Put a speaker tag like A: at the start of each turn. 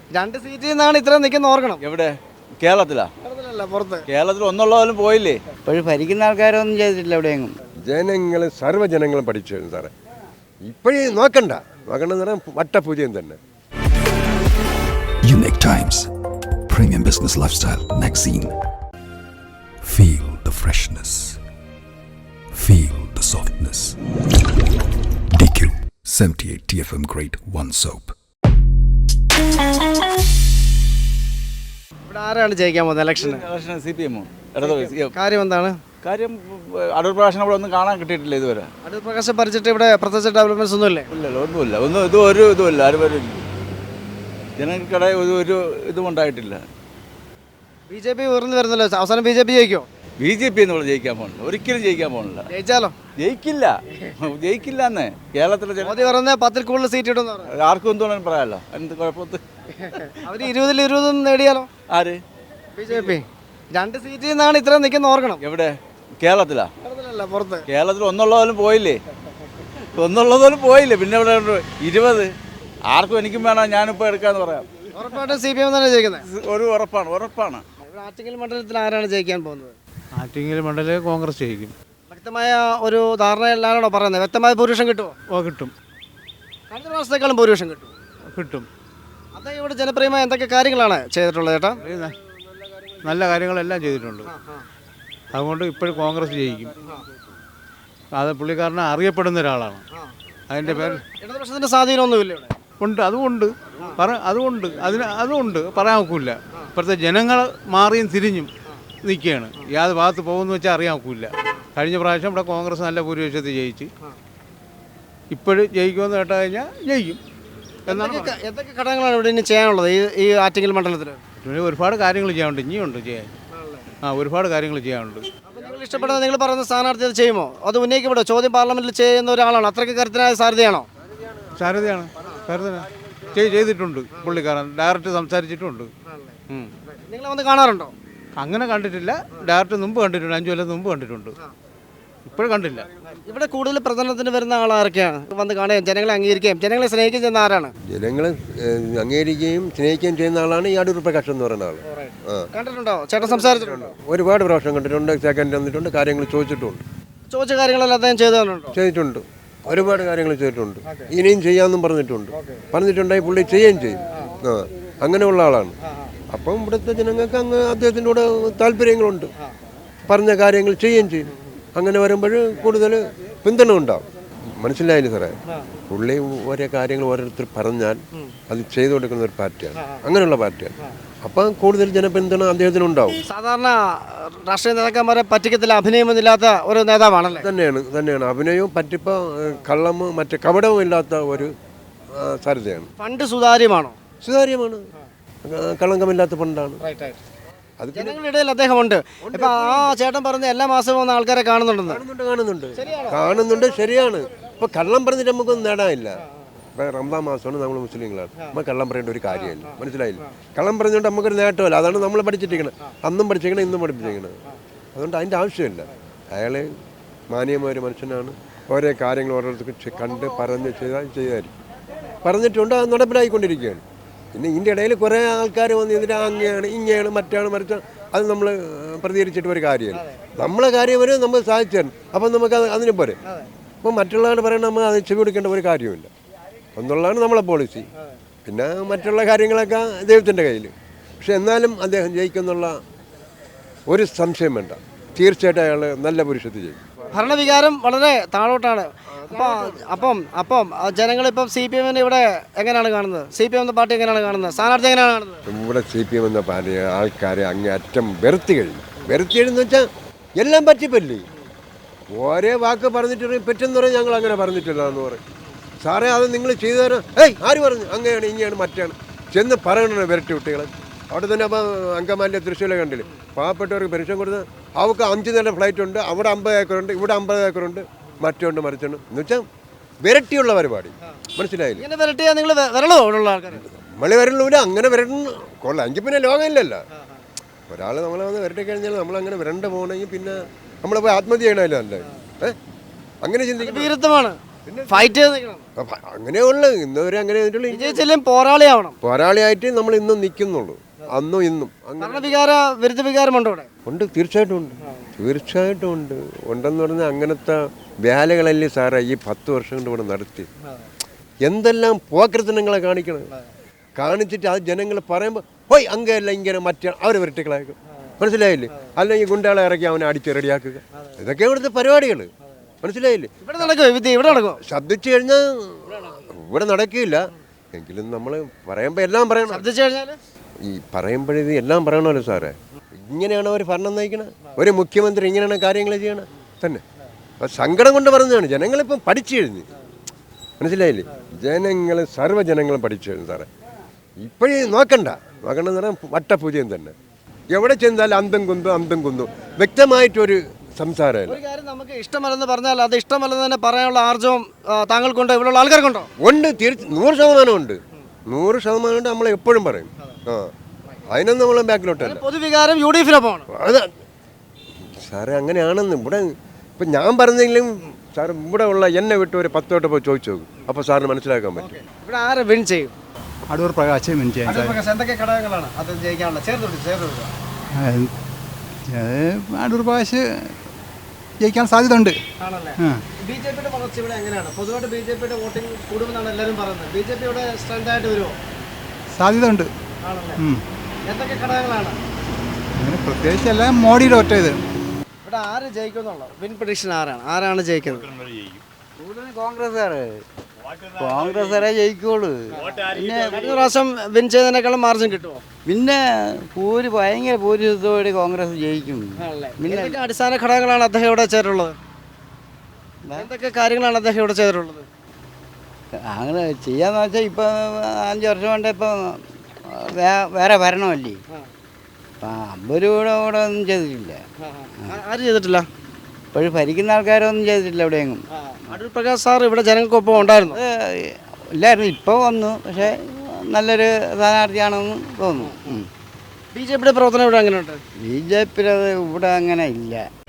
A: 2 സീറ്റിൽ നിന്നാണ് ഇത്ര നിൽക്കുന്ന ഓർക്കണം.
B: എവിടെ? കേരളത്തിലാ?
A: പുറത്ത്.
B: കേരളത്തിൽ ഒന്നുള്ളവരും പോയില്ലേ?
C: ഇപ്പോഴും ഭരിക്കുന്ന ആൾക്കാരൊന്നും ചെയ്തിട്ടില്ല എവിടെയെങ്കിലും.
D: ജനങ്ങൾ സർവ്വജനങ്ങളും പഠിച്ചു സാറേ. ഇപ്പോഴേ നോക്കണ്ടെന്ന് പറഞ്ഞാൽ വട്ടപൂജയും തന്നെ.
E: Unique Times Premium Business Lifestyle Magazine. Feel the freshness. Feel the softness. DQ 78 TFM Grade 1 Soap.
A: ഇവിടെ ആരാണ് ജയിക്കാൻ പോകുന്നത് ഇലക്ഷന്?
B: Election CPM.
A: കാര്യം എന്താണ്?
B: കാര്യം അടൂർ പ്രകാശനം ഇവിടെ ഒന്നും കാണാൻ കിട്ടിയിട്ടില്ല ഇതുവരെ.
A: അടൂർ പ്രകാശം ഭരിച്ചിട്ട് ഇവിടെ പ്രത്യേകിച്ച് ഡെവലപ്മെന്റ്സ് ഒന്നുമില്ലേ?
B: ഇല്ലല്ലോ, ഒന്നുമില്ല. ഒരു ഇതുമില്ല. ആരും വരും ജനങ്ങൾക്കിടെ ഒരു ഇതും ഉണ്ടായിട്ടില്ല.
A: BJP ഉയർന്നു വരുന്നല്ലോ. അവസാനം BJP ജയിക്കോ?
B: BJP എന്നുള്ള ജയിക്കാൻ പോകുന്നില്ല, ഒരിക്കലും ജയിക്കാൻ പോകുന്നില്ല.
A: ജയിച്ചാലോ?
B: ജയിക്കില്ല എന്ന് കേരളത്തിലെ
A: മോദി പറഞ്ഞ 10ൽ കൂടുതൽ സീറ്റ് ഇടുന്നു.
B: ആർക്കും എന്തുകൊണ്ടും പറയാമല്ലോ. എന്ത് കുഴപ്പത്ത്
A: അവർ 20ൽ 20 നേടിയാലോ?
B: ആര്?
A: BJP. 2 സീറ്റിൽ നിന്നാണ് ഇത്ര നിൽക്കുന്ന ഓർക്കണം.
B: എവിടെ? കേരളത്തിലാ?
A: പുറത്ത്.
B: കേരളത്തിൽ ഒന്നുള്ളവരും പോയില്ലേ? പിന്നെ ഇവിടെ 20. ആർക്കും എനിക്കും വേണം, ഞാനിപ്പോൾ എടുക്കാന്ന് പറയാം.
A: ഉറപ്പായിട്ടും CPM തന്നെ ജയിക്കുന്നത്.
B: ഒരു ഉറപ്പാണ്.
A: ആറ്റിങ്ങൽ മണ്ഡലത്തിൽ ആരാണ് ജയിക്കാൻ പോകുന്നത്?
F: ആറ്റിങ്ങൽ മണ്ഡലം കോൺഗ്രസ് ജയിക്കും.
A: വ്യക്തമായ ഒരു ധാരണയിലാണോ പറയുന്നത്? വ്യക്തമായ ഭൂരിപക്ഷം കിട്ടുമോ?
F: കിട്ടും.
A: കഴിഞ്ഞ പ്രാവശ്യത്തെക്കാളും ഭൂരിപക്ഷം
F: കിട്ടും.
A: അദ്ദേഹം ഇവിടെ ജനപ്രിയമായ എന്തൊക്കെ കാര്യങ്ങളാണ് ചെയ്തിട്ടുള്ളത് ചേട്ടാ?
F: നല്ല കാര്യങ്ങളെല്ലാം ചെയ്തിട്ടുണ്ട്. അതുകൊണ്ട് ഇപ്പോഴും കോൺഗ്രസ് ജയിക്കും. അത് പുള്ളിക്കാരനെ അറിയപ്പെടുന്ന ഒരാളാണ്. അതിൻ്റെ പേര്
A: ഇടതുപക്ഷത്തിൻ്റെ സ്വാധീനമൊന്നുമില്ല ഇവിടെ?
F: ഉണ്ട്. അതുകൊണ്ട് പറയാൻ ഒക്കില്ല. ഇപ്പോഴത്തെ ജനങ്ങൾ മാറിയും തിരിഞ്ഞും നിൽക്കുകയാണ്. യാത് ഭാഗത്ത് പോകുമെന്ന് വെച്ചാൽ അറിയാൻ ഒക്കില്ല. കഴിഞ്ഞ പ്രാവശ്യം ഇവിടെ കോൺഗ്രസ് നല്ല ഭൂരിപക്ഷത്തിൽ ജയിച്ച്. ഇപ്പോഴും ജയിക്കുമെന്ന് കേട്ട് കഴിഞ്ഞാൽ ജയിക്കും എന്നാണ്.
A: എന്തൊക്കെ ഘടകങ്ങളാണ് ഇവിടെ ഇനി ചെയ്യാനുള്ളത് ഈ ആറ്റിങ്ങൽ മണ്ഡലത്തിൽ?
F: ഒരുപാട് കാര്യങ്ങൾ ചെയ്യാനുണ്ട്. ഇനിയുണ്ട് ചെയ്യാൻ. ഒരുപാട് കാര്യങ്ങൾ ചെയ്യാനുണ്ട്.
A: അപ്പോൾ നിങ്ങൾ ഇഷ്ടപ്പെടുന്ന നിങ്ങൾ പറയുന്ന സ്ഥാനാർത്ഥി അത് ചെയ്യുമോ? അത് ഉന്നയിക്കപ്പെടോ? ചോദ്യം പാർലമെന്റിൽ ചെയ്യുന്ന ഒരാളാണ്. അത്രയ്ക്ക് കരുത്തനായ സാധ്യതയാണോ?
F: സാധ്യതയാണ്. ചെയ്തിട്ടുണ്ട് പുള്ളിക്കാരൻ. ഡയറക്റ്റ് സംസാരിച്ചിട്ടുണ്ട്.
A: നിങ്ങൾ വന്ന് കാണാറുണ്ടോ?
F: അങ്ങനെ കണ്ടിട്ടില്ല. ഡയറക്റ്റ് മുമ്പ് കണ്ടിട്ടുണ്ട്. 5 കൊല്ലം മുമ്പ് കണ്ടിട്ടുണ്ട്. ഇപ്പോഴും കണ്ടില്ല.
A: ഇവിടെ കൂടുതൽ പ്രചരണത്തിന് വരുന്ന ആളാരൊക്കെയാണ്? വന്ന് കാണുകയും ജനങ്ങളെ അംഗീകരിക്കുകയും ജനങ്ങളെ സ്നേഹിക്കുകയും ചെയ്യുന്ന ആരാണ്?
D: ജനങ്ങളെ അംഗീകരിക്കുകയും സ്നേഹിക്കുകയും ചെയ്യുന്ന ആളാണ് ഈ അടൂർ പ്രകാശം എന്ന് പറയുന്ന ആൾ.
A: കണ്ടിട്ടുണ്ടോ? ചേട്ടൻ സംസാരിച്ചിട്ടുണ്ടോ?
D: ഒരുപാട് പ്രാവശ്യം കണ്ടിട്ടുണ്ട്. സെക്കൻഡ് വന്നിട്ടുണ്ട്. കാര്യങ്ങൾ ചോദിച്ചിട്ടുണ്ട്.
A: ചോദിച്ച കാര്യങ്ങളെല്ലാം അദ്ദേഹം
D: ചെയ്തിട്ടുണ്ട്. ഒരുപാട് കാര്യങ്ങൾ ചെയ്തിട്ടുണ്ട്. ഇനിയും ചെയ്യാമെന്നും പറഞ്ഞിട്ടുണ്ടായി പുള്ളി ചെയ്യുകയും ചെയ്യും. അങ്ങനെയുള്ള ആളാണ്. അപ്പം ഇവിടുത്തെ ജനങ്ങൾക്ക് അങ്ങ് അദ്ദേഹത്തിൻ്റെ കൂടെ താല്പര്യങ്ങളുണ്ട്. പറഞ്ഞ കാര്യങ്ങൾ ചെയ്യുകയും ചെയ്യും. അങ്ങനെ വരുമ്പോൾ കൂടുതൽ പിന്തുണ ഉണ്ടാവും. മനസ്സിലായില്ല സാറേ? പുള്ളി ഓരോ കാര്യങ്ങൾ ഓരോരുത്തർ പറഞ്ഞാൽ അത് ചെയ്തു കൊടുക്കുന്ന ഒരു പാർട്ടിയാണ്. അങ്ങനെയുള്ള പാർട്ടിയാണ്. അപ്പം കൂടുതൽ ജനപിന്തുണ അദ്ദേഹത്തിനുണ്ടാവും.
A: സാധാരണ രാഷ്ട്രീയ നേതാക്കന്മാരെ പറ്റിക്കത്തില്ല, അഭിനയമൊന്നുമില്ലാത്ത ഒരു നേതാവാണല്ലേ?
D: തന്നെയാണ്. അഭിനയവും പറ്റിപ്പോ കള്ളമോ മറ്റു കപടവും ഇല്ലാത്ത ഒരു സാധ്യതയാണ്.
A: ഫണ്ട് സുതാര്യമാണ്.
D: കളങ്കമില്ലാത്ത ഫണ്ടാണ്.
A: അത് ജനങ്ങളുടെ ഇടയിൽ അദ്ദേഹമുണ്ട്. ഇപ്പൊ ആ ചേട്ടൻ പറഞ്ഞ എല്ലാ മാസവും വന്ന ആൾക്കാരെ
D: കാണുന്നുണ്ട്. ശരിയാണ്. ഇപ്പൊ കള്ളം പറഞ്ഞിട്ട് നമുക്കൊന്നും നേടാനില്ല. ഇപ്പം റംസാൻ മാസമാണ്. നമ്മൾ മുസ്ലിങ്ങളാണ്. നമ്മൾ കള്ളം പറയേണ്ട ഒരു കാര്യമില്ല. മനസ്സിലായില്ല? കള്ളം പറഞ്ഞുകൊണ്ട് നമുക്കൊരു നേട്ടമല്ല. അതാണ് നമ്മൾ പഠിച്ചിരിക്കുന്നത്. അന്നും പഠിച്ചിരിക്കണം, ഇന്നും പഠിപ്പിച്ചിരിക്കുന്നത്. അതുകൊണ്ട് അതിൻ്റെ ആവശ്യമില്ല. അയാൾ മാന്യമായ ഒരു മനുഷ്യനാണ്. ഓരോ കാര്യങ്ങൾ ഓരോരുത്തർക്ക് കണ്ട് പറഞ്ഞ് ചെയ്തായിരിക്കും. പറഞ്ഞിട്ടുണ്ട്. അത് നടപ്പിലായിക്കൊണ്ടിരിക്കുകയാണ്. പിന്നെ ഇതിൻ്റെ ഇടയിൽ കുറേ ആൾക്കാർ വന്ന് ഇതിൻ്റെ അങ്ങനെയാണ് ഇങ്ങനെയാണ് മറ്റാണ് അത് നമ്മൾ പ്രതികരിച്ചിട്ട് ഒരു കാര്യമില്ല. നമ്മളെ കാര്യം വരെ നമ്മൾ സാധിച്ചു തരണം. അപ്പം നമുക്ക് അതിന് പോരെ. അപ്പം മറ്റുള്ളവർ പറയണത് നമ്മൾ അത് ചെവി കൊടുക്കേണ്ട ഒരു കാര്യമില്ല എന്നുള്ളതാണ് നമ്മളെ പോളിസി. പിന്നെ മറ്റുള്ള കാര്യങ്ങളൊക്കെ ദൈവത്തിൻ്റെ കയ്യിൽ. പക്ഷെ എന്നാലും അദ്ദേഹം ജയിക്കുന്നുള്ള ഒരു സംശയം വേണ്ട. തീർച്ചയായിട്ടും അയാൾ നല്ല പുരുഷത്തിൽ ജയിക്കും.
A: ഭരണവികാരം വളരെ താഴോട്ടാണ്. അപ്പം ജനങ്ങളിപ്പം CPM ഇവിടെ എങ്ങനെയാണ് കാണുന്നത്? CPM എന്ന പാർട്ടി എങ്ങനെയാണ് കാണുന്നത്? സ്ഥാനാർത്ഥി എങ്ങനെയാണ് കാണുന്നത്?
D: ഇവിടെ CPM എന്ന പാർട്ടി ആൾക്കാരെ അങ്ങേയറ്റം വെറുത്തി കഴിഞ്ഞെന്ന് വെച്ചാൽ എല്ലാം പറ്റിപ്പല്ലേ. ഓരോ വാക്ക് പറഞ്ഞിട്ട് പറ്റെന്ന് പറയും. ഞങ്ങൾ അങ്ങനെ പറഞ്ഞിട്ടില്ല എന്ന് പറയും. സാറേ അത് നിങ്ങൾ ചെയ്തു തരാം. ആര് പറഞ്ഞു? അങ്ങനെയാണ് ഇങ്ങനെയാണ് മറ്റാണ് ചെന്ന് പറയണോ വിരട്ടി കുട്ടികളെ. അവിടെ തന്നെ അപ്പോൾ അങ്കമാലിൻ്റെ തൃശ്ശൂരെ കണ്ടില്ലേ, പാവപ്പെട്ടവർക്ക് പെൻഷൻ കൊടുത്ത് അവർക്ക് 5 നില ഫ്ലൈറ്റ് ഉണ്ട്. അവിടെ 50 ഏക്കറുണ്ട്, ഇവിടെ 50 ഏക്കറുണ്ട്, മറ്റുണ്ട് മറിച്ചുണ്ട് എന്ന് വെച്ചാൽ വിരട്ടിയുള്ള പരിപാടി. മനസ്സിലായില്ല? നമ്മളെ വരണില്ല. അങ്ങനെ വരണ്ട കൊള്ളാം. എങ്കിൽ പിന്നെ ലോകമില്ലല്ലോ. ഒരാൾ നമ്മളെ വന്ന് വരട്ടി കഴിഞ്ഞാൽ നമ്മളങ്ങനെ വരണ്ട പോകണമെങ്കിൽ പിന്നെ നമ്മളെ പോയി ആത്മഹത്യ ചെയ്യണമല്ലോ. അല്ലേ? അങ്ങനെ ചിന്തിക്കും.
A: ഫൈറ്റ് ചെയ്ത് നിൽക്കണം.
D: അങ്ങനെയുള്ളു ഇന്നുവരെ അങ്ങനെ ചെയ്തിട്ടുള്ളൂ.
A: വിജയിച്ചാലും പോരാളിയാവണം.
D: പോരാളിയായിട്ട് നമ്മൾ ഇന്നും നിൽക്കുന്നുള്ളൂ, അന്നും ഇന്നും.
A: ഭരണവികാര വിരുദ്ധ വികാരമുണ്ടോ ഇവിടെ?
D: ഉണ്ട്, തീർച്ചയായിട്ടും ഉണ്ട്, തീർച്ചയായിട്ടും ഉണ്ട്. ഉണ്ടെന്ന് പറഞ്ഞാൽ അങ്ങനത്തെ വേലകളല്ലേ സാറേ ഈ 10 വർഷം കൊണ്ട് ഇവിടെ നടത്തി. എന്തെല്ലാം പോക്കൃത്തനങ്ങളെ കാണിച്ചിട്ട് അത് ജനങ്ങൾ പറയുമ്പോൾ ഹോയ് അങ്ങല്ല ഇങ്ങനെ മറ്റേ അവർ വെരട്ടിക്കളാക്കും, മനസ്സിലായില്ലേ? അല്ലെങ്കിൽ ഗുണ്ടകളെ ഇറക്കി അവനെ അടിച്ച് റെഡിയാക്കുക. ഇതൊക്കെ ഇവിടുത്തെ പരിപാടികൾ, മനസ്സിലായില്ലേ?
A: ഇവിടെ നടക്കുമോ വിദ്യ? ഇവിടെ നടക്കുമോ?
D: ശബ്ദിച്ചു കഴിഞ്ഞാൽ ഇവിടെ നടക്കില്ല. എങ്കിലും നമ്മൾ പറയുമ്പോൾ എല്ലാം പറയണം.
A: ശബ്ദിച്ചു കഴിഞ്ഞാൽ
D: ഈ പറയുമ്പോഴത് എല്ലാം പറയണമല്ലോ സാറേ. ഇങ്ങനെയാണ് അവർ ഭരണം നയിക്കണത്. ഒരു മുഖ്യമന്ത്രി ഇങ്ങനെയാണ് കാര്യങ്ങൾ ചെയ്യണത് തന്നെ. അപ്പം സങ്കടം കൊണ്ട് പറഞ്ഞതാണ്. ജനങ്ങളിപ്പം പഠിച്ചു കഴിഞ്ഞ്, മനസ്സിലായില്ലേ? ജനങ്ങൾ സർവ്വജനങ്ങളും പഠിച്ചു കഴിഞ്ഞു സാറേ. ഇപ്പോഴേ നോക്കണ്ടെന്ന് പറഞ്ഞാൽ വട്ടപൂജയും തന്നെ. എവിടെ ചെന്നാലും അന്തം കുന്തും വ്യക്തമായിട്ടൊരു സംസാരമല്ല.
A: ഒരു കാര്യം നമുക്ക് ഇഷ്ടമല്ലെന്ന് പറഞ്ഞാൽ അത് ഇഷ്ടമല്ലെന്ന് തന്നെ പറയാനുള്ള ആർജവം താങ്കൾക്കുണ്ടോ, ഇവിടെയുള്ള ആൾക്കാർക്കുണ്ടോ?
D: ഉണ്ട്, 100% ഉണ്ട്, 100% ഉണ്ട്. നമ്മൾ എപ്പോഴും പറയും. അതിനൊന്നും നമ്മൾ ബാക്കിലോട്ടല്ല.
A: പൊതുവികാരം UDF-നൊപ്പമാണ്.
D: അത് സാറേ അങ്ങനെയാണെന്ന് ഇവിടെ ഇപ്പം ഞാൻ പറഞ്ഞെങ്കിലും സാർ ഇവിടെ ഉള്ള എന്നെ വിട്ട് ഒരു 10 വട്ടം പോയി ചോദിച്ചു നോക്കും. അപ്പോൾ സാറിന് മനസ്സിലാക്കാൻ പറ്റും.
A: ഇവിടെ ആരെ വിൻ ചെയ്യും?
G: അടൂർ പ്രകാശ് വിൻ ചെയ്യാൻ
A: എന്തൊക്കെ ഘടകങ്ങളാണ് അത് ജയിക്കാനുള്ള? ചേർത്ത്
G: അടൂർ പ്രകാശ് ജയിക്കാൻ സാധ്യത ഉണ്ട്.
A: ആണല്ലേ? BJP-യുടെ വളർച്ച ഇവിടെ എങ്ങനെയാണ്? പൊതുവായിട്ട് BJP-യുടെ വോട്ടിംഗ് കൂടുമെന്നാണ് എല്ലാവരും പറയുന്നത്. BJP ഇവിടെ സ്ട്രെങ്ത് ആയിട്ട് വരുമോ?
G: സാധ്യത ഉണ്ട്.
A: ആണല്ലേ? എന്തൊക്കെ ഘടകങ്ങളാണ്?
G: അങ്ങനെ പ്രത്യേകിച്ച് എല്ലാം മോഡിയുടെ ഒറ്റ ഇത്.
A: ഇവിടെ ആര് ജയിക്കുമെന്നുള്ള വിൻ പ്രഡിക്ഷൻ ആരാണ് ജയിക്കുന്നത്?
C: കൂടുതൽ കോൺഗ്രസ്സുകാരെ ജയിക്കുള്ളൂ. പിന്നെ
A: കഴിഞ്ഞ പ്രാവശ്യം വിൻ ചെയ്തതിനേക്കാളും മാർജിൻ കിട്ടുമോ?
C: പിന്നെ ഭയങ്കര ഭൂരിപക്ഷത്തോടെ കോൺഗ്രസ് ജയിക്കും.
A: എന്തൊക്കെ അടിസ്ഥാന ഘടകങ്ങളാണ് അദ്ദേഹം ഇവിടെ ചെയ്തിട്ടുള്ളത്? എന്തൊക്കെ കാര്യങ്ങളാണ് അദ്ദേഹം ഇവിടെ ചെയ്തിട്ടുള്ളത്?
C: അങ്ങനെ ചെയ്യാന്ന് വെച്ചാൽ ഇപ്പം 5 വർഷം കൊണ്ട് ഇപ്പം വേറെ ഭരണമല്ലേ. അപ്പം 50 രൂപയുടെ കൂടെ ഒന്നും ചെയ്തിട്ടില്ല.
A: ആര് ചെയ്തിട്ടില്ല?
C: ഇപ്പോഴും ഭരിക്കുന്ന ആൾക്കാരൊന്നും ചെയ്തിട്ടില്ല എവിടെയെങ്കിലും.
A: അടൂർ പ്രകാശ് സാർ ഇവിടെ ജനങ്ങൾക്കൊപ്പം ഉണ്ടായിരുന്നു.
C: ഇല്ലായിരുന്നു, ഇപ്പോൾ വന്നു. പക്ഷേ നല്ലൊരു സ്ഥാനാർത്ഥിയാണെന്ന് തോന്നുന്നു.
A: BJP-യുടെ പ്രവർത്തനം ഇവിടെ എങ്ങനെയുണ്ട്?
C: BJP ഇവിടെ അങ്ങനെ ഇല്ല.